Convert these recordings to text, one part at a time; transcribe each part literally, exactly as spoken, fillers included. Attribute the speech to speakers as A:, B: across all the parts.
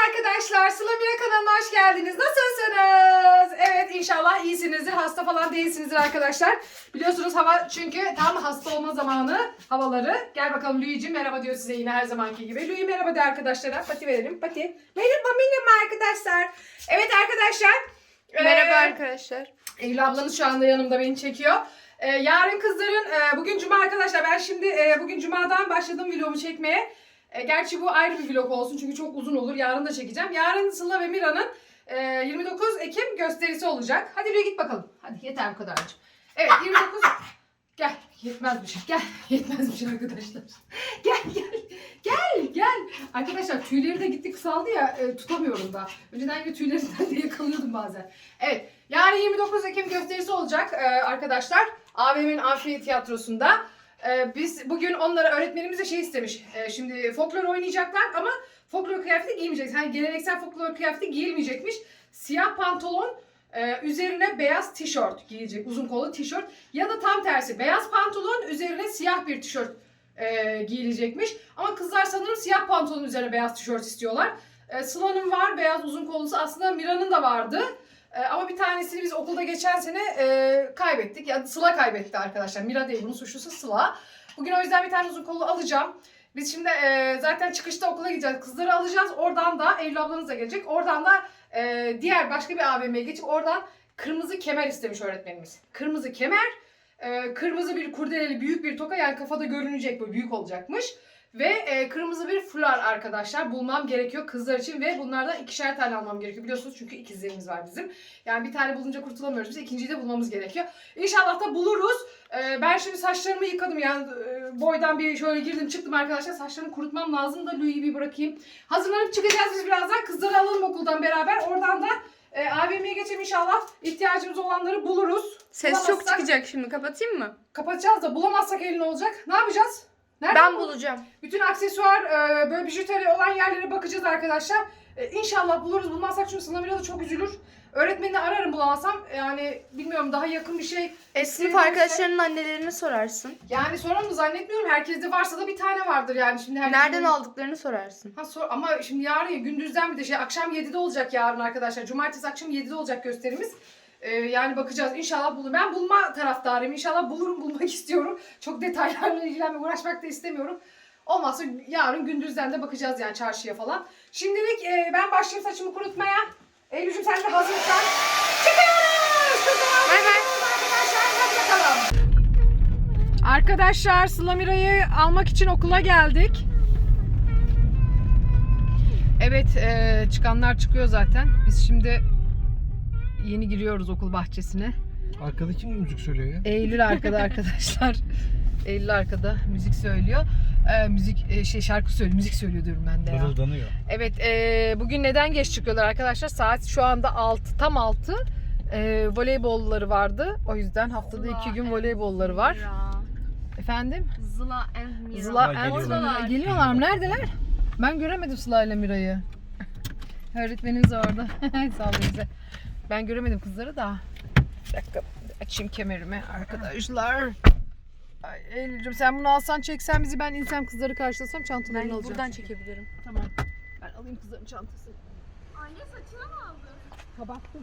A: arkadaşlar, Sıla Mira kanalına hoş geldiniz. Nasılsınız? Evet, inşallah iyisinizdir. Hasta falan değilsinizdir arkadaşlar. Biliyorsunuz hava çünkü tam hasta olma zamanı havaları. Gel bakalım Lüyücüğüm merhaba diyor size yine her zamanki gibi. Lüyü merhaba de arkadaşlara. Pati verelim. Pati. Merhaba merhaba arkadaşlar. Evet arkadaşlar.
B: Merhaba
A: ee,
B: arkadaşlar.
A: Eylül ablanız şu anda yanımda beni çekiyor. Ee, yarın kızların, e, bugün cuma arkadaşlar. Ben şimdi e, bugün cumadan başladım vlogumu çekmeye. E, gerçi bu ayrı bir vlog olsun çünkü çok uzun olur. Yarın da çekeceğim. Yarın Sıla ve Mira'nın e, yirmi dokuz Ekim gösterisi olacak. Hadi bir git bakalım. Hadi yeter bu kadarcık. Evet yirmi dokuz. Gel. Yetmezmiş. Gel. Yetmezmiş arkadaşlar. Gel gel. Gel gel. Arkadaşlar tüyleri de gitti kısaldı ya e, tutamıyorum da. Önceden gibi tüylerinden de yakalıyordum bazen. Evet. Yarın yirmi dokuz Ekim gösterisi olacak e, arkadaşlar. A V M'nin Amfi Tiyatrosu'nda. Ee, biz bugün onlara öğretmenimiz de şey istemiş. Ee, şimdi folklor oynayacaklar ama folklor kıyafeti giymeyecek. Hani geleneksel folklor kıyafeti giyilmeyecekmiş. Siyah pantolon e, üzerine beyaz tişört giyecek. Uzun kollu tişört. Ya da tam tersi beyaz pantolon üzerine siyah bir tişört e, giyilecekmiş. Ama kızlar sanırım siyah pantolon üzerine beyaz tişört istiyorlar. E, Sıla'nın var beyaz uzun kollusu. Aslında Mira'nın da vardı. Ee, ama bir tanesini biz okulda geçen sene e, kaybettik. Yani Sıla kaybetti arkadaşlar. Mira değil, bunun suçlusu Sıla. Bugün o yüzden bir tane uzun kollu alacağım. Biz şimdi e, zaten çıkışta okula gideceğiz. Kızları alacağız. Oradan da Eylül ablanız da gelecek. Oradan da e, diğer başka bir A V M'ye geçip oradan kırmızı kemer istemiş öğretmenimiz. Kırmızı kemer, e, kırmızı bir kurdeleli büyük bir toka, yani kafada görünecek, böyle büyük olacakmış. Ve e, kırmızı bir fular arkadaşlar bulmam gerekiyor kızlar için ve bunlardan ikişer tane almam gerekiyor. Biliyorsunuz çünkü ikizlerimiz var bizim. Yani bir tane bulunca kurtulamıyoruz biz. İkinciyi de bulmamız gerekiyor. İnşallah da buluruz. E, ben şimdi saçlarımı yıkadım yani e, boydan bir şöyle girdim çıktım arkadaşlar. Saçlarımı kurutmam lazım da Louis'i bir bırakayım. Hazırlanıp çıkacağız biz birazdan. Kızları alalım okuldan beraber. Oradan da e, A V M'ye geçelim inşallah. İhtiyacımız olanları buluruz.
B: Ses çok çıkacak şimdi. Kapatayım mı?
A: Kapatacağız da bulamazsak elin olacak. Ne yapacağız? Nereden
B: Ben
A: bul-
B: bulacağım.
A: Bütün aksesuar, e, böyle bijuteri olan yerlere bakacağız arkadaşlar. E, İnşallah buluruz. Bulmazsak çünkü Sıla Mira da çok üzülür. Öğretmenini ararım bulamazsam. Yani bilmiyorum, daha yakın bir şey.
B: E, sınıf arkadaşlarının annelerini sorarsın.
A: Yani sorarım da zannetmiyorum. Herkeste varsa da bir tane vardır yani. Şimdi herkes
B: Nereden aldıklarını sorarsın.
A: Ha, sor ama şimdi yarın ya, gündüzden bir de şey, akşam yedide olacak yarın arkadaşlar. Cumartesi akşam yedide olacak gösterimiz. Ee, yani bakacağız. İnşallah bulurum. Ben bulma taraftarıyım. İnşallah bulurum, bulmak istiyorum. Çok detaylarla ilgilenmek, uğraşmak da istemiyorum. Olmazsa yarın gündüzden de bakacağız yani çarşıya falan. Şimdilik e, ben başlayayım saçımı kurutmaya. Eylül'cüm sen de hazırsan. Çıkıyoruz! Kızlar
B: Bay bay.
A: arkadaşlar. Hadi bakalım. Arkadaşlar Sıla Mira'yı almak için okula geldik. Evet, e, çıkanlar çıkıyor zaten. Biz şimdi yeni giriyoruz okul bahçesine.
C: Arkada kim müzik söylüyor ya?
A: Eylül arkada arkadaşlar. Eylül arkada müzik söylüyor. Ee, müzik e, şey şarkı söylüyor, müzik söylüyor diyorum ben de ya.
C: Mırıldanıyor.
A: Evet, e, bugün neden geç çıkıyorlar arkadaşlar? Saat şu anda altı, tam altı. E, voleybolları vardı. O yüzden haftada
B: Zıla
A: iki gün
B: and
A: voleybolları var.
B: Mira.
A: Efendim?
B: Zıla and Mira.
A: Sıla
C: Ha,
A: and
C: geliyorlar.
A: Mira. Geliyorlar mı? Neredeler? Ben göremedim Sıla ile Mira'yı. Öğretmenimiz orada. Sağ olun bize. Ben göremedim kızları da. Bir dakika açayım kemerimi arkadaşlar. Ay Eylül'cüm sen bunu alsan çeksen bizi, ben insem kızları karşılasam çantalarını
B: Ben
A: alacağım.
B: buradan çekebilirim.
A: Tamam. Ben alayım kızların çantasını.
D: Anne saçına mı aldın?
A: Kabarttım.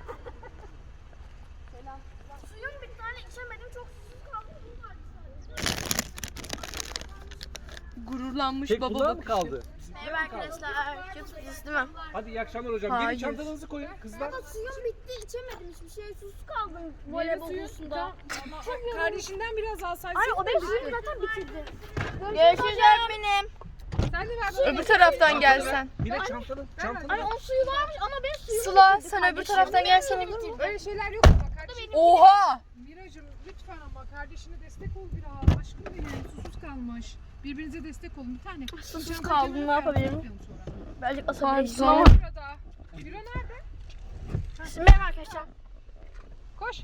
D: Selam. Suyum bir tane içemedim, çok susuz kaldım. Bunun vardı sadece.
B: Gururlanmış
C: Tek
B: baba
C: bunlar mı
B: bakışı.
C: kaldı?
D: Merhaba arkadaşlar. Çok videosu değil mi?
C: Hadi iyi akşamlar hocam.
B: Hayır.
C: Gelin çantalarınızı koyun kızlar.
D: Baba suyum bitti, içemedim hiçbir şey. Susuz kaldım voleybol kursunda.
A: Kardeşinden biraz alsaydın.
D: Anne o benim suyumu zaten bitirdi.
B: Görüşürüz öğretmenim.
A: Sen de ver.
B: Öbür taraftan gelsen.
C: Bir de çantanı, çantanı.
D: Anne o suyu varmış ama ben suyumu
B: Sıla
D: bitirdi
B: sen öbür
D: kardeşim.
B: taraftan gelsene bir.
A: Öyle şeyler yok ama kardeşim.
B: Oha!
A: Miracım lütfen ama kardeşine destek ol biraz. Aşkım benim, susuz kalmış. Birbirinize destek olun bir tane.
D: Susuz
A: Sen
D: kaldım,
A: kenara
D: ne yapabilirim?
A: yapmayalım sonra.
D: Birazcık asabilirim.
B: Pardon.
A: Burada. Mira nerede?
D: Merhaba arkadaşlar.
A: Koş.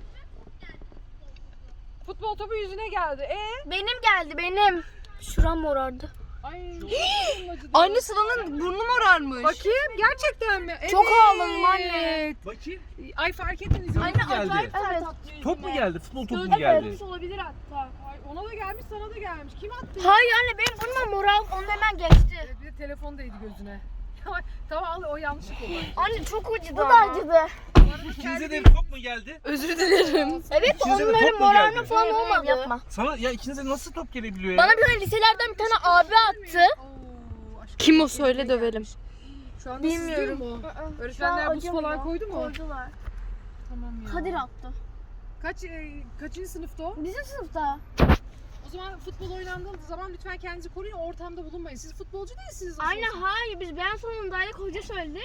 A: Futbol topu yüzüne geldi. E?
D: Benim geldi benim. Şuram morardı.
A: Ay.
B: Anne Sıla'nın burnu morarmış.
A: Bakayım gerçekten mi? Evet.
D: Çok ağladım anne.
C: Bakayım.
A: Ay fark etmediniz mi?
C: Anne geldi.
D: Evet.
C: Top mu geldi? Futbol topu mu
D: Evet.
C: geldi?
D: Olabilir hatta.
A: Ay ona da gelmiş, sana da gelmiş. Kim attı?
D: Hayır anne benim burnum moral ondan hemen geçti.
A: Evet, bir de telefon değdi gözüne. Tamam al, o yanlışlık oldu.
B: Anne çok acıdı
D: Bu da acıdı.
C: İkinize de top mu geldi?
B: Özür dilerim. Evet
C: İkinize de
B: onların
C: top mu
B: morarma
C: geldi?
B: falan olmadı. Yapma.
C: Sana ya ikinize nasıl top gelebiliyor ya?
B: Bana bir tane liselerden bir tane abi attı.
A: Oo, aşkım.
B: Kim o söyle dövelim.
A: Şu anda
B: Bilmiyorum.
A: sızlıyor mu?
D: Şu
A: Öğretmenler
D: an
A: buz
D: acımıyor.
A: falan koydu mu?
D: Koydular.
A: Tamam ya.
D: Kadir attı.
A: Kaç, e, kaçıncı sınıfta o?
D: Bizim sınıfta.
A: O zaman futbol oynandığı zaman lütfen kendinizi koruyun, ortamda bulunmayın. Siz futbolcu değilsiniz. nasıl
D: Aynen
A: olsa.
D: hayır biz ben salonundaydık hoca söyledi.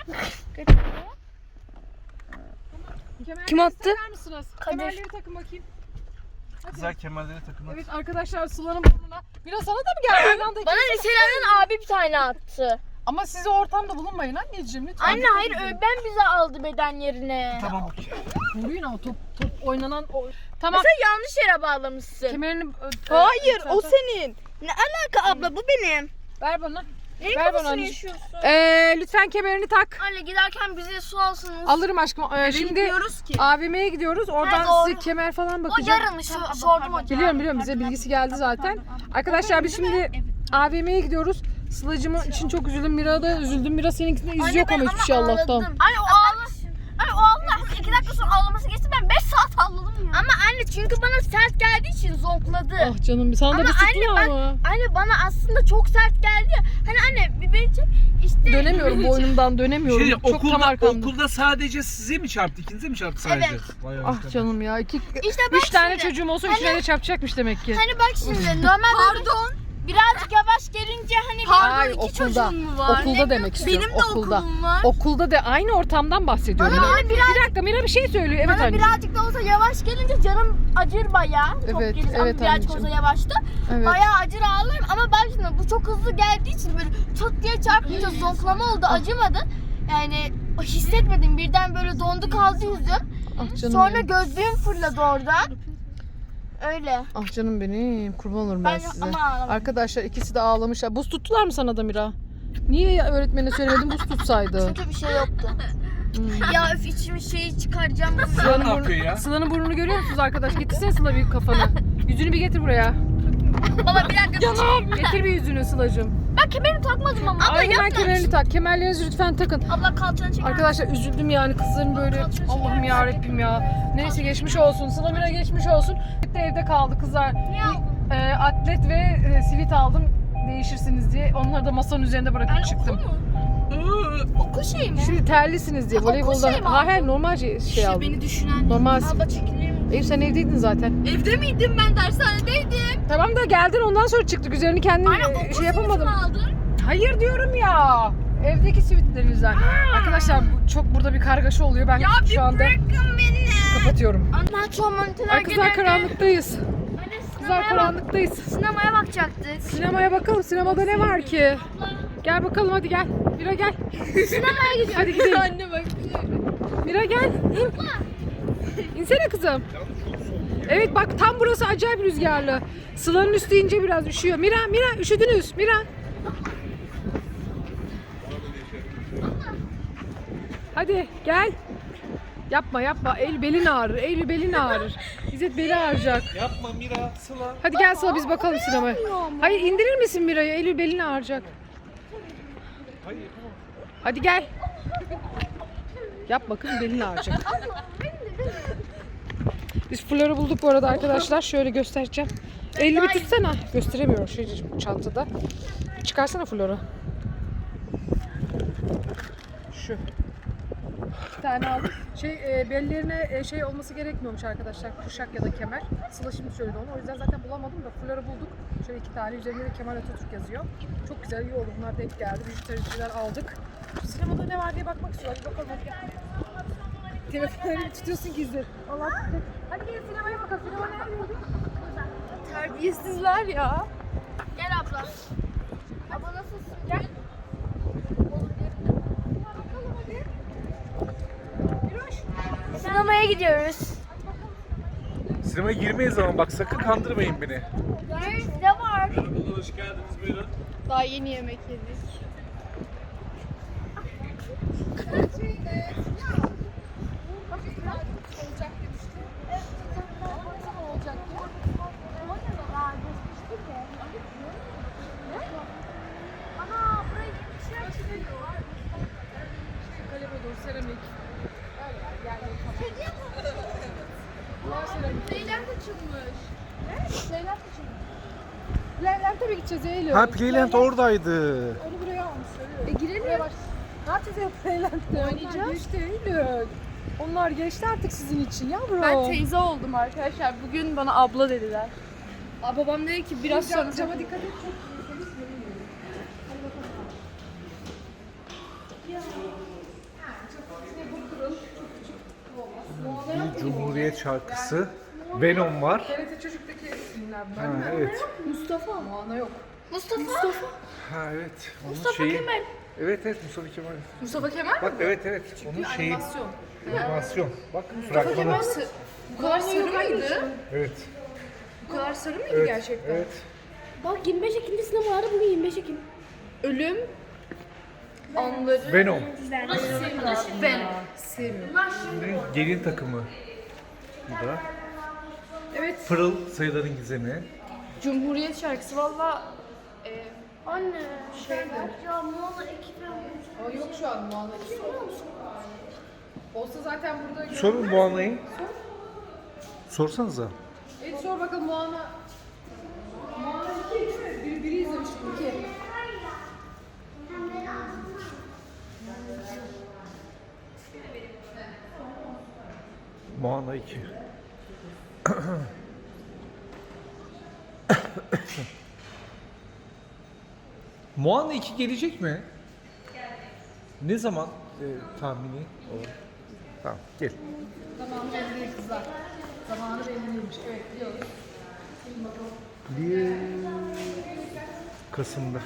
A: Kemerleri
B: Kim attı?
A: takar mısınız?
D: Kadir.
A: Kemerleri takın bakayım. Hadi.
C: Kızlar kemerleri takımlar.
A: Evet arkadaşlar Sıla'nın burnuna. Biraz sana da mı geldi? Aynı anda
B: Bana
A: ikiniz-
B: liselerden abi bir tane attı.
A: Ama siz o ortamda bulunmayın anneciğim lütfen.
B: Anne hayır öğretmen bize aldı beden yerine.
C: Tamam okey.
A: Koruyun ama top, top oynanan... O... Tamam.
B: Sen yanlış yere bağlamışsın.
A: Kemerini... ö-
B: Hayır
A: lütfen
B: o
A: tak.
B: senin. Ne alaka abla bu benim.
A: Ver bana.
B: Neyin
A: Ver bana
B: kafasını
A: anneciğim.
B: yaşıyorsun?
A: Ee, lütfen kemerini tak.
B: Anne giderken bize su alsınız.
A: Alırım aşkım. Ee, şimdi
B: Bilmiyoruz ki.
A: A V M'ye gidiyoruz. Oradan
B: Ha, doğru.
A: size kemer falan
B: O
A: bakacağım.
B: yarın so- sordum hocam.
A: Biliyorum biliyorum bize bilgisi geldi zaten. Arkadaşlar biz şimdi A V M'ye gidiyoruz. Sıla'cığım için çok üzüldüm. Mira da üzüldüm. Mira seninkinde iz yok ama hiçbir şey Allah'tan.
B: Anne o ağla. Anne o Allah iki dakika sonra ağlaması geçti ben beş saat ağladım ya. Ama anne çünkü bana sert geldiği için zonkladı.
A: Ah canım sana da
B: Ama
A: bir tutmuyor
B: anne,
A: ama.
B: Anne bana aslında çok sert geldi ya. Hani anne bir beni çek işte.
A: Dönemiyorum boynumdan dönemiyorum.
C: Şey,
A: çok tam
C: okulda,
A: arkamda.
C: okulda sadece size mi çarptı? İkinize mi çarptı sadece?
B: Evet.
C: Vay
A: Ah
C: arkadaş.
A: canım ya. İki,
B: İşte bak
A: üç tane
B: şimdi.
A: çocuğum olsa
B: Hani-
A: üçüne de çarpacakmış demek ki.
B: Hani bak şimdi normal pardon. Birazcık yavaş gelince hani
A: Hayır,
B: pardon iki
A: okulda.
B: çocuğun mu var?
A: Okulda demek istiyorum.
B: Benim de
A: okulda.
B: okulum var.
A: Okulda de aynı ortamdan bahsediyorum.
B: Bana
A: ya.
B: böyle biraz-
A: Bir dakika Mira bir şey söylüyor. Evet
B: Bana
A: anneciğim.
B: birazcık da olsa yavaş gelince canım acır bayağı. Çok
A: Evet,
B: gelince
A: evet
B: ama birazcık
A: anneciğim.
B: olsa yavaştı.
A: Evet.
B: Bayağı acır ağlarım ama bak şimdi bu çok hızlı geldiği için böyle çat diye çarpınca zonklama oldu acımadı. Yani hissetmedim birden böyle dondu kaldı yüzüm.
A: Ah canım
B: Sonra
A: benim.
B: gözlüğüm fırladı oradan. Öyle.
A: Ah canım benim. Kurban olurum ben,
B: Ben
A: size.
B: ama ağlamadım.
A: Arkadaşlar ikisi de ağlamışlar. Buz tuttular mı sana da Mira? Niye öğretmenine söylemedin buz tutsaydı?
B: Çünkü bir şey yoktu.
A: Hmm.
B: Ya öf içimi şeyi çıkaracağım.
A: Sıla'nın,
C: Ne yapıyor
A: burnu,
C: ya?
A: Sıla'nın burnunu görüyor musunuz arkadaş? Getirsene Sıla bir kafanı. Yüzünü bir getir buraya.
B: Baba bir dakika.
A: Getir bir yüzünü Sıla'cığım.
B: Ben kemerimi takmadım ama. Abla
A: Ay hemen
B: yapma.
A: kemerini tak. Kemerlerinizi lütfen takın.
B: Abla kalçanı çeker.
A: Arkadaşlar üzüldüm yani kızların böyle Allah'ım ya Rabbim ya. Neyse geçmiş olsun. Sıla Mira geçmiş olsun. Evde kaldı kızlar.
B: Niye aldın?
A: Ee, atlet ve e, sivit aldım değişirsiniz diye. Onları da masanın üzerinde bırakıp
B: Yani
A: çıktım.
B: okul mu? Okul şeyi mi?
A: Şimdi terlisiniz diye
B: Okul
A: voleybolda.
B: şey mi
A: Ha
B: aldın?
A: hayır normal şey, şey aldım.
B: Beni düşünen.
A: Normal.
B: Abla çekilir mi?
A: Eyüp sen evdeydin zaten.
B: Evde miydim ben dershanedeydim.
A: Tamam da geldin ondan sonra çıktık. Üzerini kendin
B: Anne
A: e,
B: okul
A: şey yapamadım.
B: aldın.
A: Hayır diyorum ya. Evdeki sivitlerinizden. Arkadaşlar bu, çok burada bir kargaşa oluyor. Ben
B: Ya bir
A: şu anda
B: bırakın beni.
A: kapatıyorum.
B: Anne şu an monitörler
A: Ay kızlar karanlıktayız.
B: Anne
A: Kızlar
B: sinemaya, bak
A: karanlıktayız.
B: sinemaya bakacaktık.
A: Sinemaya bakalım. Sinemada ne var ki? Gel bakalım hadi gel. Mira gel.
B: Sinemaya gidiyoruz.
A: Hadi gidelim.
B: Anne bak.
A: Mira gel. İn. İnsene kızım. Evet bak tam burası acayip rüzgarlı. Sıla'nın üstü ince biraz üşüyor. Mira, Mira üşüdünüz. Mira. Hadi gel. Yapma yapma. El belin ağrır. El belin ağrır. İzzet beli ağrıyacak.
C: Yapma Mira, Sıla.
A: Hadi gel Sıla biz bakalım sinemaya. Hayır indirir misin Mira'yı? Eylül belin ağrıyacak.
C: Hayır yapamam.
A: Hadi gel. Yap bakın belin ağrıyacak. Biz Flor'u bulduk bu arada arkadaşlar. Şöyle göstereceğim. Eylül'ü bir tutsana. Gösteremiyorum şu çantada. Çıkarsana Flor'u. Şu. İki tane aldım. Şey e, bellerine e, şey olması gerekmiyormuş arkadaşlar. Kuşak ya da kemer. Sıla şimdi söyledi onu. O yüzden zaten bulamadım da Flor'u bulduk. Şöyle iki tane. Üzerinde de Kemal Atatürk yazıyor. Çok güzel iyi oldu. Bunlar denk geldi. Bijutericiler aldık. Şu sinemada ne var diye bakmak istiyorum. Hadi bakalım hadi gel. Telefonlarını tutuyorsun gizli. Allah tutuyor. Hadi gelin sinemaya bakalım. Sinema nerede?
B: Terbiyesizler ya. Gel abla. Abla nasılsın? Gel. Sinemaya gidiyoruz.
C: Sinemaya girmeyiz ama bak sakın kandırmayın beni.
B: Ne var?
C: Merhabalar, hoş geldiniz buyurun.
B: Daha yeni yemek yedik.
D: Ana burayı bir şey açılıyor.
A: seramik. Öyle yani yerleri kapalı. Bunlar seramik.
D: Leyland açılmış.
A: Leyland açılmış. Leyland'e mi gideceğiz Eylül?
C: Ha Playland oradaydı.
A: Onu buraya almışlar.
D: E girelim.
A: Buraya bak. Ne yapacağız ya Leyland'de? Oynayacağız. Geçti Eylül. Onlar geçti artık sizin için yavrum.
D: Ben teyze oldum arkadaşlar. Bugün bana abla dediler. Aa, babam dedi ki biraz sonra...
A: Cama dikkat et, çok tehlikeli görünüyor. Hadi bakalım. Ha, çok ne bu kırıl, çok küçük olmaz. Moana yok
C: Bir
A: mu?
C: Cumhuriyet şarkısı. Venom var.
A: T R T çocuktaki isimler bunlar.
C: Ha,
A: değil mi?
C: evet.
A: Mustafa. Moana yok.
D: Mustafa. Mustafa.
C: Ha evet. Onun
D: Mustafa
C: şeyi...
D: Kemal.
C: Evet evet Mustafa Kemal.
A: Mustafa Kemal
C: Bak evet evet. Onun şeyi...
A: animasyon.
C: Animasyon. Bak fragmanı.
A: Bu kadar sarı mıydı?
C: Evet.
A: Bu kadar sarı mıydı
C: Evet.
A: gerçekten?
C: Evet.
D: Bak yirmi beş Ekim'de sinema vardı. Bugün yirmi beş Ekim. Ölüm anları.
C: Venom.
D: Ben.
A: Sevmiyorum.
C: Şimdi gelin takımı. Bu da.
A: Evet.
C: Pırıl sayıların gizemi.
D: Cumhuriyet şarkısı valla. E, Anne.
A: Şeydi.
D: Ya Moana ekibi.
A: Ama yok şu an Moana. Olsa zaten burada...
C: Sorun Moana'yı. Sorsanıza.
A: Evet sor bakalım Moana. Moana iki değil mi? Biri, biri izlemiştik. iki.
C: Moana iki. Moana iki gelecek mi? Ne zaman e, tahmini o? Tamam gel.
A: Zamanı belli değil kızlar. Zamanı belli değilmiş. Evet biliyoruz.
C: Bir Kasım'da.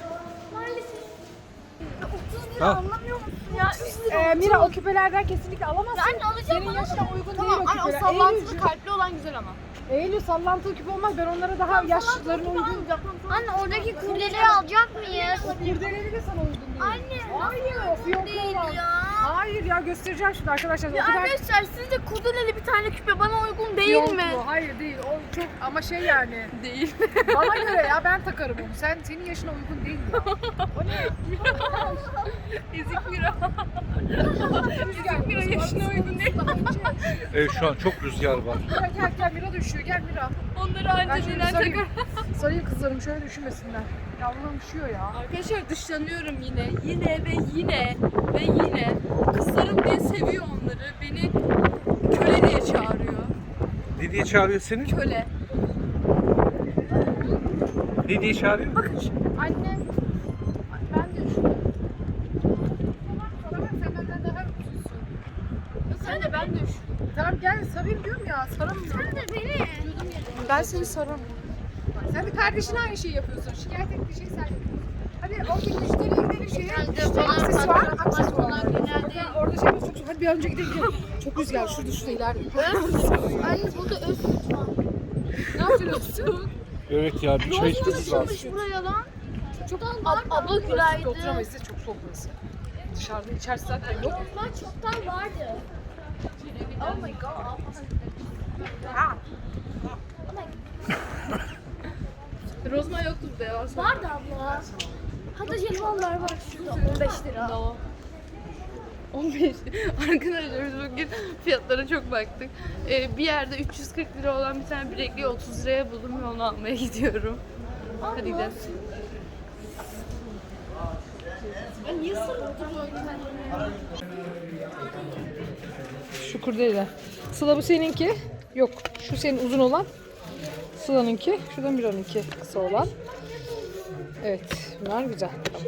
D: otuz lira
C: Ha.
D: anlamıyor musun ya? üç lira.
A: Ee, Mira o küpelerden kesinlikle alamazsın.
D: Ya anne alacağım
A: Senin
D: bana.
A: yaşına uygun
D: Tamam
A: değil o
D: anne o
A: küpeler.
D: sallantılı
A: Eylül,
D: kalpli olan güzel ama.
A: Eylül sallantılı küpe olmaz. Ben onlara daha yaşlılarına uygun.
B: Anne oradaki kurdeleyi alacak mıyız?
A: Kurdeleli de sana uygun değil.
B: Anne.
A: Hayır. Fiyonklu olan. Hayır ya göstereceğim şimdi arkadaşlar.
B: Ya
A: o kadar
B: arkadaşlar sizce kurdeleli bir tane küpe bana uygun değil
A: fiyonklu.
B: mi?
A: Hayır değil. O çok ama şey yani.
D: Değil.
A: Bana göre ya ben takarım onu. Sen senin yaşına uygun değil ya. O ne?
D: Ezik Mira.
A: Rüzgar.
D: Mira yaşına uygun değil.
C: Evet şu an çok rüzgar var.
A: Mira gel gel Mira da üşüyor. Gel Mira.
D: Onları
A: Ben
D: anca
A: şöyle
D: neler
A: sarayım.
D: takar.
A: Sarayım kızlarım şöyle üşümesinler. Yavrum üşüyor ya.
D: Arkadaşlar dışlanıyorum yine. Yine ve yine ve yine. Kızlarım diye seviyor onları. Beni köle diye çağırıyor.
C: Ne diye çağırıyor seni?
D: Köle.
C: Ne diye çağırıyor?
D: Bakın şimdi. Anne. Ben de üşüyorum.
A: Sana bak sen benden daha üşüyorsun.
D: Sen de ben de üşüyorum.
A: Tamam gel sarayım diyorum ya. Saramıyorum.
B: Sen de beni.
D: Ben seni saramam.
A: Sen de kardeşine aynı şeyi yapıyorsun. Şikayet ettiği şeyi sen yapıyorsun. Hadi oradaki müşteriye gidelim şeye.
B: Bence
A: İşte
B: bana
A: aksesuar.
B: bana-
A: Aksesuar.
B: bana genelde-
A: Bakın orada şey çok çok. Hadi bir an önce gidelim. gidelim. Çok rüzgar. Şurada şurada ileride.
B: Anne burada öz süt var.
A: Ne yapacaksın?
C: Evet ya bir çay içmemiz lazım.
B: Açılmış buraya lan.
A: Çok
B: Ab- abla günaydın.
A: Oturamayız. Size çok soğuk burası. Dışarıda içerisi zaten yok.
B: Onlar çoktan vardı. Oh my god.
A: Ha.
D: Rozma yoktu burada ya.
B: Vardı abla. Hatta jelibonlar var şurada on beş lira.
D: No. on beş. Arkadaşlar biz bugün fiyatlara çok baktık. Ee, bir yerde üç yüz kırk lira olan bir tane bilekliği otuz liraya buldum ve onu almaya gidiyorum. Hadi gidelim. Ben niye sarılıp duruyorum kendime?
A: Şu kurdele. Sıla bu seninki. Yok. Şu senin uzun olan. Sıla'nınki. Şuradan bir onunki kısa olan. Evet. Bunlar güzel.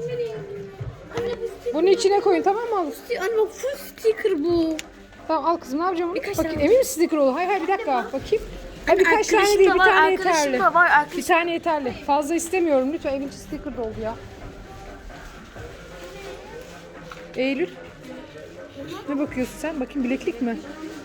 A: Bunun içine koyun tamam mı? Al.
B: Anne bak full sticker bu.
A: Tamam al kızım ne yapacağım onu?
B: Birkaç
A: Bakayım
B: tane.
A: emin misin sticker olur? Hayır hayır bir dakika bakayım. Hayır birkaç tane
B: Arkadaşım
A: değil
B: da
A: bir
B: var,
A: tane
B: arkadaşım
A: yeterli.
B: da var, arkadaşım-
A: Bir tane yeterli. Fazla istemiyorum lütfen evin içi sticker doldu ya. Eylül. Ne bakıyorsun sen? Bakayım bileklik mi?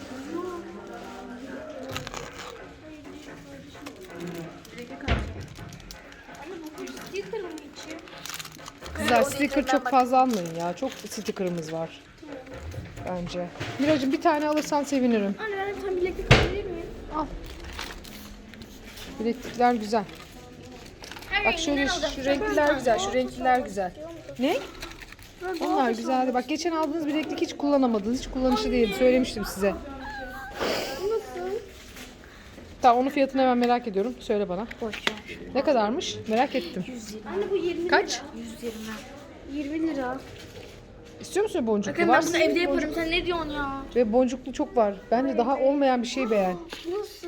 B: Sticker mı içi?
A: Güzel sticker çok fazla almayın ya. Çok stickerımız var. Bence. Miracığım bir tane alırsan sevinirim.
B: Anne ben bir tane bileklik alabilir miyim?
A: Al. Bileklikler güzel.
B: Her
A: Bak şöyle
B: renginden
A: şu,
B: alacağım.
A: şu renkliler güzel. Şu renkliler güzel. Ne? Onlar güzeldi. Bak geçen aldığınız bileklik hiç kullanamadınız. Hiç kullanışlı değildi. Söylemiştim size.
B: Nasıl?
A: Tamam, onun fiyatını hemen merak ediyorum. Söyle bana.
B: Boş ver.
A: Ne kadarmış? Merak ettim.
B: Anne bu yirmi
A: Kaç?
B: lira. yüz yirmi. yirmi lira.
A: İstiyor musun boncuklu?
B: Bakın ben
A: Varsa
B: bunu evde
A: boncuk-
B: yaparım. Sen ne diyorsun ya?
A: Ve boncuklu çok var. Bence daha olmayan bir şey beğen.
B: Nasıl?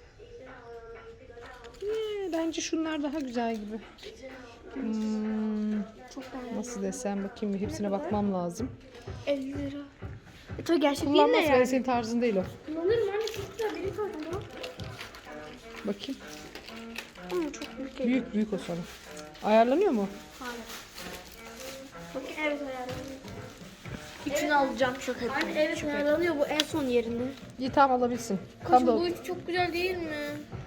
A: Ee, bence şunlar daha güzel gibi. Hmm,
B: Çok beğendim.
A: nasıl desem, bakayım bir hepsine bakmam lazım.
B: elli lira. E tabii gerçek değil de
A: Kullanmaz, yani.
B: yani.
A: Senin tarzın değil o.
B: Kullanırım anne, çok güzel. Beni koydum.
A: Bakayım.
B: Ama çok büyük geliyor.
A: Büyük büyük o sana. Ayarlanıyor mu?
B: Hayır. Bakın evet ayarlanıyor. Üçünü alacağım, şaka yapıyorum. Anne evet ayarlanıyor, bu en son yerinde.
A: İyi, tamam, alabilirsin. Tam
B: Kaşım
A: da
B: bu üçü çok güzel değil mi?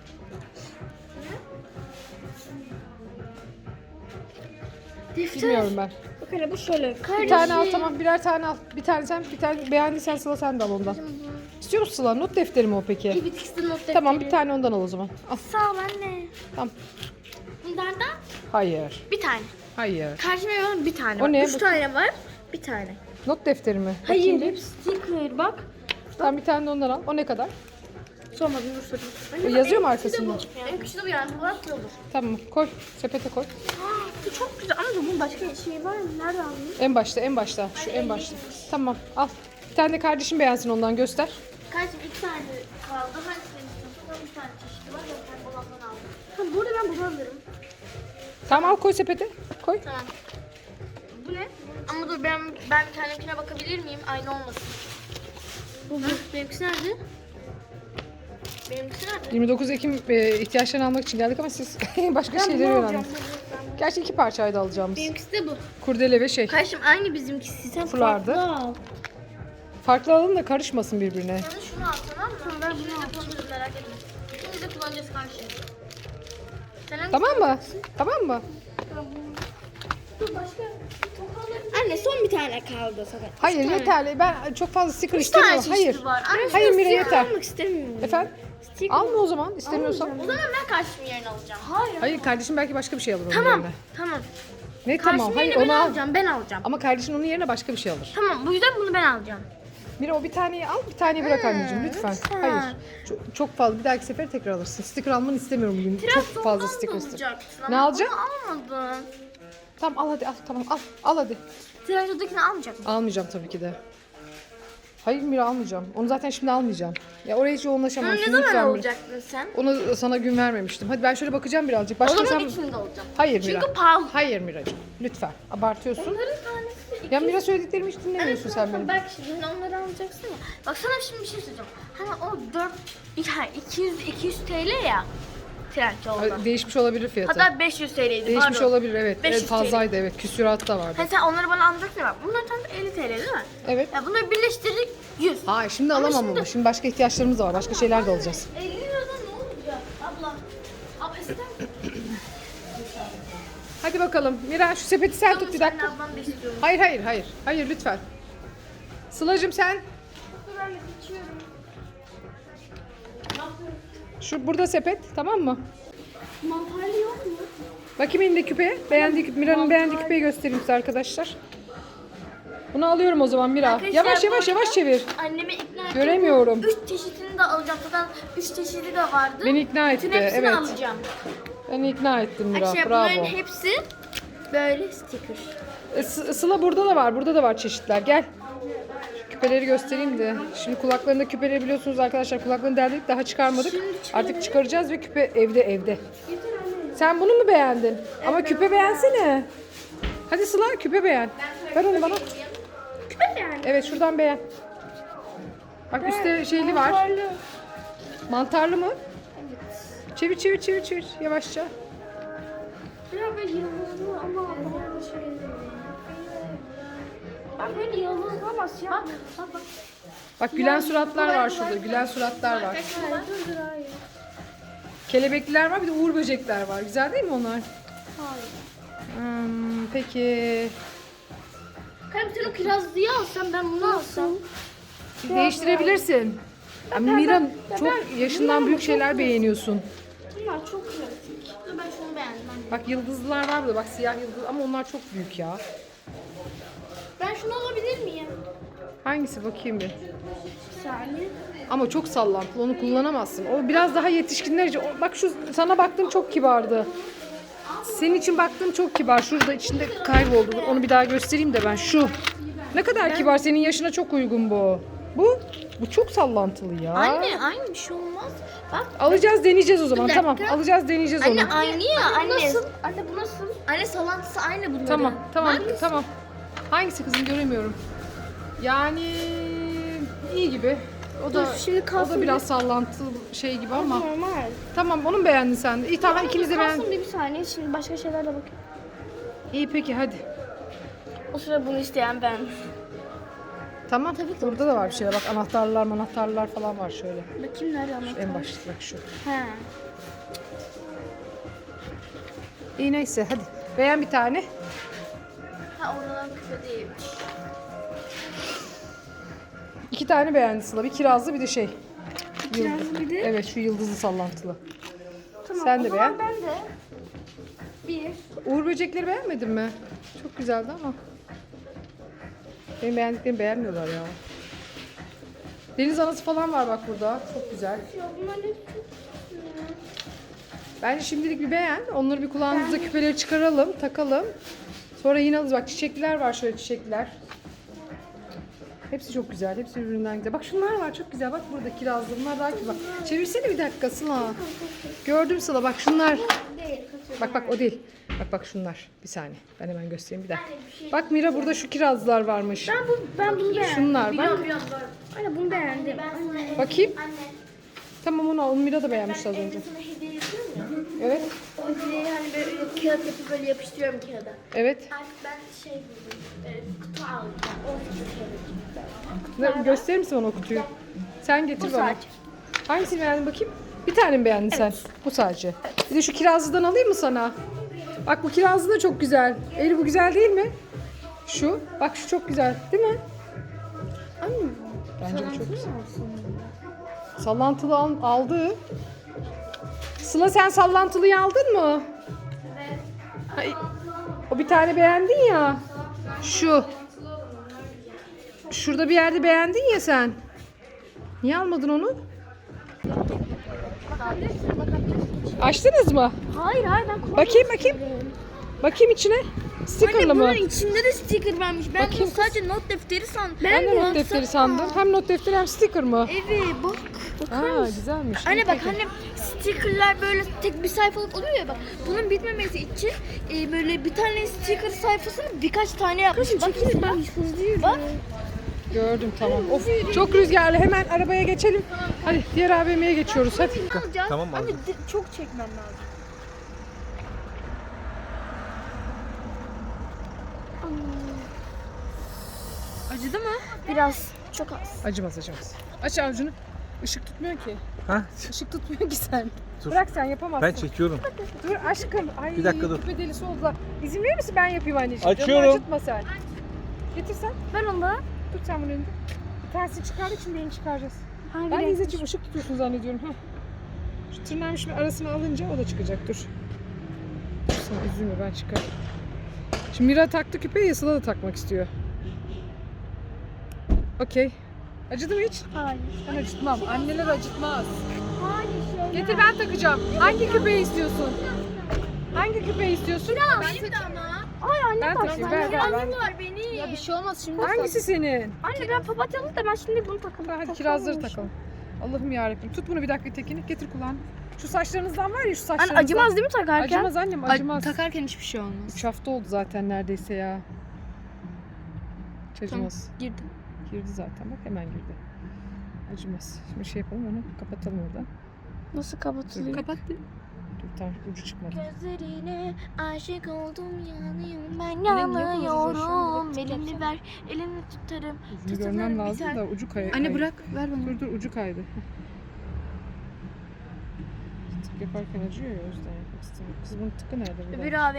B: Defter.
A: bilmiyorum ben.
B: Bak hele bu şöyle.
A: Bir tane al, tamam, birer tane al. Bir tane sen, bir tane beğendiysen Sıla sen de al ondan. İstiyor musun Sıla? Not defteri mi o peki?
B: Evet, ikisi de not defteri.
A: Tamam, bir tane ondan al o zaman. Al.
B: Sağ ol anne.
A: Tamam.
B: Bunlardan
A: Hayır.
B: bir tane.
A: Hayır.
B: Karşıma yalan bir tane
A: O
B: var.
A: ne?
B: Üç
A: Bu-
B: tane var. Bir tane.
A: Not defteri mi?
B: Hayır,
A: Bakayım bir.
B: hep sticker bak.
A: Tamam, bir tane de ondan al. O ne kadar?
B: Sormadım, dur sorayım.
A: O
B: Anne,
A: yazıyor mu
B: bak, benimkisi de
A: arkasında?
B: bu. Benimkisi de bu yani, bu var ki olur.
A: Tamam, koy. Sepete koy.
B: Aa, bu çok güzel ama bunun başka şey var mı? Nerede aldın?
A: En başta, en başta. Şu en başta. Tamam, al. Bir tane de kardeşim beğensin, ondan göster.
B: Kardeşim iki tane kaldı. Hangisini istiyorsun? Bir tane çeşidi var. Ben olandan aldım. Tamam, burada ben bunu alırım.
A: Tamam, al, koy sepete. Koy.
B: Tamam. Bu ne? Ama dur, ben ben bir tanekine bakabilir miyim? Aynı olmasın. Bu bu. Benimkisi nerede? Benimkisi nerede?
A: yirmi dokuz Ekim e, ihtiyaçlarını almak için geldik ama siz başka şeyleri öğrendiniz. Gerçi iki parçaydı alacağımız.
B: Benimkisi de bu.
A: Kurdele ve şey.
B: Kardeşim aynı bizimkisi. Sen
A: Fulardı.
B: farklı al.
A: Farklı alalım da karışmasın birbirine.
B: Sen de şunu al, tamam mı? Tamam, ben bunu alacağım. Merak etme. İkimiz de kullanacağız karşı. Sen hangisini
A: Tamam mı?
B: alacaksın?
A: Tamam mı?
B: Dur, başka. Anne son bir tane kaldı sana.
A: Hayır, yeterli. Ben çok fazla sticker
B: Üç tane
A: istemiyorum. Hayır.
B: çeşidi var. Anne,
A: Hayır
B: şurada
A: Mira,
B: sticker
A: yeter.
B: almak istemiyorum.
A: Efendim?
B: Sticker.
A: Alma o zaman istemiyorsan.
B: O zaman ben karşımın yerini alacağım. Hayır.
A: Hayır, kardeşim belki başka bir şey alır onun
B: Tamam.
A: yerine.
B: Tamam.
A: Ne
B: Karşımın
A: tamam? Hayır,
B: yerini ben
A: onu al.
B: alacağım. Ben alacağım.
A: Ama kardeşin onun yerine başka bir şey alır.
B: Tamam, bu yüzden bunu ben alacağım.
A: Mira, o bir taneyi al, bir taneyi bırak anneciğim lütfen.
B: lütfen.
A: Hayır. Çok, çok fazla. Bir dahaki sefer tekrar alırsın. Sticker almanı istemiyorum bugün. Çok fazla sticker istiyorum.
B: alacaksın.
A: Ne
B: ama
A: alacaksın?
B: Bunu almadın.
A: Tamam, al hadi, al, tamam, al. Al hadi.
B: Tirajodakini almayacak mısın?
A: Almayacağım tabii ki de. Hayır Mira, almayacağım. Onu zaten şimdi almayacağım. Ya oraya hiç yoğunlaşamam.
B: Bunu ne
A: Şimdi
B: zaman
A: lütfen Mira.
B: alacaktın sen?
A: Onu sana gün vermemiştim. Hadi ben şöyle bakacağım birazcık.
B: O
A: Başka
B: zaman
A: sen...
B: ikisini de alacağım.
A: Hayır Mira.
B: Çünkü pahalı.
A: Hayır Miracığım. Lütfen. Abartıyorsun.
B: Onların tanesi iki
A: Ya Mira, söylediklerimi hiç dinlemiyorsun sen benim.
B: Belki şimdi onları alacaksın ya. Bak sana şimdi bir şey söyleyeceğim. Hani o dört, yani iki yüz iki yüz T L ya. Trendyol'da.
A: Ay, Değişmiş olabilir fiyatı.
B: Hatta beş yüz T L'ydi.
A: Değişmiş
B: pardon.
A: olabilir, evet.
B: beş yüz
A: Evet, fazlaydı, evet. Küsüratı da vardı.
B: Hani sen onları bana anlatacaksın ya bak. Bunlar tam elli T L değil mi?
A: Evet.
B: Ya bunları birleştirdik yüz.
A: Hayır, şimdi alamam
B: şimdi-
A: onu. Şimdi başka ihtiyaçlarımız da var. Başka şeyler de alacağız.
B: elli liradan ne olacak abla? Abla ister misin?
A: Hadi bakalım. Mira, şu sepeti sen tut bir dakika.
B: Ben ablam da istiyorum.
A: Hayır, hayır, hayır. Hayır, lütfen. Sıla'cığım sen.
B: Dur ben de geçiyorum.
A: Şu burada sepet, tamam mı?
B: Mantarlı yok mu?
A: Bakayım elinde küpe. Beğendiği, küpe- Mira'nın beğendiği küpeyi göstereyim size arkadaşlar. Bunu alıyorum o zaman Mira.
B: Arkadaşlar,
A: Yavaş
B: bu
A: yavaş
B: arada
A: yavaş çevir.
B: Annemi ikna ettim.
A: Göremiyorum.
B: Üç çeşidini de alacağım. Zaten üç çeşidi de vardı.
A: Beni ikna
B: Bütün
A: etti,
B: hepsini
A: evet.
B: alacağım.
A: Beni ikna ettin Mira.
B: Arkadaşlar
A: Bravo.
B: bunların hepsi böyle sticker.
A: E, Sı- Sıla burada da var. Burada da var çeşitler. Gel. Şu küpeleri göstereyim de. Şimdi kulaklarında küpeleri biliyorsunuz arkadaşlar. Kulaklarını deldik, daha çıkarmadık. Artık çıkaracağız ve küpe evde evde. Sen bunu mu beğendin? Ama küpe beğensene. Hadi Sıla, küpe beğen. Ver onu bana.
B: Küpe yani.
A: Evet, şuradan beğen. Bak üstte şeyli var.
B: Mantarlı.
A: Mantarlı mı? Çevir çevir çevir çevir yavaşça.
B: Biraz böyle yıldızlı ama bana da şey. Ben böyle yıldızlı ama siyah. Bak bak bak.
A: Bak gülen suratlar var şurada. Gülen suratlar var.
B: Dur dur hayır.
A: Kelebekliler var, bir de uğur böcekler var. Güzel değil mi onlar?
B: Hayır.
A: Hmm, peki.
B: Kalem sen o kirazlıyı alsan ben bunu alsam.
A: Değiştirebilirsin. Ya Mira, çok yaşından büyük şeyler beğeniyorsun.
B: Bunlar çok klasik. Dur ben şunu beğendim.
A: Bak yıldızlılar var burada. Bak siyah yıldız ama onlar çok büyük ya.
B: Ben şunu alabilir miyim?
A: Hangisi bakayım bir.
B: Bir saniye.
A: Ama çok sallantılı, onu kullanamazsın. O biraz daha yetişkinler için. O- Bak şu sana baktığım çok kibardı. Senin için baktığım çok kibar. Şurada içinde kayboldu. Dur, onu bir daha göstereyim de ben. Şu. Ne kadar kibar. Senin yaşına çok uygun bu. Bu bu çok sallantılı ya.
B: Anne aynı bir şey olmaz. Bak.
A: Alacağız, deneyeceğiz o zaman.
B: Bir
A: Tamam.
B: dakika.
A: Alacağız, deneyeceğiz
B: Anne
A: onu.
B: aynı ya anne. Nasıl? Anne bu nasıl? Anne sallantısı aynı bunların.
A: Tamam, tamam,
B: Hangisi?
A: tamam. Hangisi kızım göremiyorum. Yani iyi gibi. O da
B: Dur, şimdi
A: o
B: kalsın
A: da biraz sallantılı şey gibi ama.
B: Normal.
A: Tamam, onu mu beğendin sen de? İyi tamam, ikimiz de
B: Kalsın
A: beğendik.
B: bir, bir saniye. Şimdi başka şeylerle bakayım.
A: İyi peki hadi.
B: O sıra bunu isteyen ben.
A: Tamam.
B: Tabii ki
A: Burada da var bir şeyler. Bak anahtarlar, anahtarlar falan var şöyle.
B: Bakayım nerede anahtar?
A: En başta bak şu.
B: He.
A: İyi neyse hadi. Beğen bir tane.
B: Ha oradan küpe değilmiş.
A: İki tane beğendi Sıla. Bir kirazlı bir de şey.
B: Kirazlı bir de.
A: Evet şu yıldızlı sallantılı.
B: Tamam,
A: Sen
B: o
A: de
B: zaman
A: beğen.
B: ben de. Bir.
A: Uğur böcekleri beğenmedin mi? Çok güzeldi ama. Benim beğendiklerimi beğenmiyorlar ya. Deniz anası falan var bak burada. Çok güzel.
B: Ya bunlar ne çok
A: Bence şimdilik bir beğen. Onları bir kulağımızda küpeleri çıkaralım, takalım. Sonra yine alırız. Bak çiçekliler var şöyle çiçekliler. Hepsi çok güzel. Hepsi birbirinden güzel. Bak şunlar var çok güzel. Bak burada kirazlı. Bunlar daha güzel. Bak çevirsene bir dakika Sıla. Gördüm Sıla. Bak şunlar.
B: değil. Kaçırdım.
A: Bak bak o değil. Bak bak şunlar. Bir saniye. Ben hemen göstereyim bir dakika.
B: Anne, bir şey-
A: Bak Mira burada şu kirazlar varmış.
B: Ben, bu, ben bunu beğendim.
A: Şunlar bak.
B: Biliyorum, biliyorum, biliyorum. Anne bunu beğendim. Anne.
A: Bakayım.
B: Anne.
A: Tamam onu al. Mira da beğenmiş az önce.
B: Evde sana hediye yapıyorum ya.
A: Evet.
B: O hediyeyi hani böyle kağıt yapıp böyle yapıştırıyorum kağıda.
A: Evet.
B: Artık ben şey buldum. E, kutu aldım. on sekiz kağıt.
A: Ne, gösterir misin bana o kutuyu? Sen getir
B: Bu
A: bana.
B: sadece.
A: Hangisini beğendin bakayım? Bir tane mi beğendin sen? Bu sadece. Bir de şu kirazlıdan alayım mı sana? Bak bu kirazlı da çok güzel. Eli bu güzel değil mi? Şu. Bak şu çok güzel. Değil mi?
B: Anne.
A: Bence bu çok güzel. Sallantılı al- aldı. Sıla sen sallantılıyı aldın mı? Evet. O bir tane beğendin ya. Şu. Şurada bir yerde beğendin ya sen. Niye almadın onu? Açtınız mı?
B: Hayır hayır ben koydum.
A: Bakayım bakayım. Bakayım içine. Stickerlı mı?
B: Bunun içinde de sticker varmış. Ben
A: Bakayım
B: bunu sadece not defteri sandım.
A: Ben de not defteri sandım. Hem not defteri hem sticker mı?
B: Evet bak. Bakar
A: Aa
B: mısın?
A: güzelmiş.
B: Anne
A: İyi,
B: bak
A: peki.
B: hani stickerlar böyle tek bir sayfalık oluyor ya bak. Bunun bitmemesi için e, böyle bir tane sticker sayfasını birkaç tane yapmış. Bak bak. Bak.
A: Gördüm tamam. Of çok rüzgarlı. Hemen arabaya geçelim. Hadi diğer A V M'ye geçiyoruz hadi.
B: Alacağız.
C: Tamam,
B: Anne
C: aldım.
B: di- çok çekmem lazım.
D: Acıdı mı?
B: Biraz çok az.
A: Acımaz acımaz. Aç avucunu. Işık tutmuyor ki.
C: Ha?
A: Işık tutmuyor ki sen.
C: Dur.
A: Bırak sen yapamazsın.
C: Ben çekiyorum.
A: Dur aşkım. Ay,
C: Bir dakika dur.
A: küpe delisi oldular. İzin verir misin ben yapayım anneciğim? Canını
C: Açıyorum.
A: acıtma sen. Getir sen.
B: Ben onda
A: Tut sen bunu önünde. Bir tanesini çıkardık şimdi birini çıkaracağız.
B: hangi
A: Ben de
B: renk?
A: İzzetciğim ışık tutuyorsun zannediyorum. Heh. Şu tırnağın şimdi arasına alınca o da çıkacak. Dur. Dur sen üzülme ben çıkar. Şimdi Mira taktı küpeyi, Sıla da takmak istiyor. Okey. Acıdı mı hiç?
B: Hayır.
A: Ben acıtmam. Anneler acıtmaz.
B: Hayır şey.
A: Getir ben takacağım. Hangi küpeyi istiyorsun? Hangi küpeyi istiyorsun?
B: Benim de ama. Ay anne
A: Ben
B: bak.
A: takayım, ver, ver, ver.
B: var benim. Ya bir şey olmaz şimdi.
A: Hangisi senin?
B: Anne ben papatyalı da ben şimdi bunu takalım.
A: Hadi kirazları takalım. Allah'ım yarabbim. Tut bunu bir dakika tekini. Getir kulağını. Şu saçlarınızdan var ya şu saçlarınızdan.
B: Anne acımaz değil mi takarken?
A: Acımaz annem acımaz.
D: Takarken hiçbir şey olmaz.
A: Üç hafta oldu zaten neredeyse ya. Hiç acımaz.
D: Girdi.
A: Girdi zaten bak hemen girdi. Acımaz. Şimdi şey yapalım onu kapatalım oradan.
B: Nasıl kapatılıyor?
D: Kapattı.
A: Dur tamam ucu çıkmadı.
B: Gözlerine aşık oldum yanıyorum ben
A: Annem niye
B: yanıyorum.
A: konuşuyorsun?
B: Elini ver elini tutarım.
A: Ucunu
B: Tutunur
A: görmem lazım
B: biter.
A: da ucu kay.
D: Anne
A: kay-
D: bırak ver bana.
A: Dur dur ucu kaydı. Tık yaparken acıyor ya o yüzden yapmak istemiyorum. Kız bunun tıkı nerede? burada?
B: Bir abi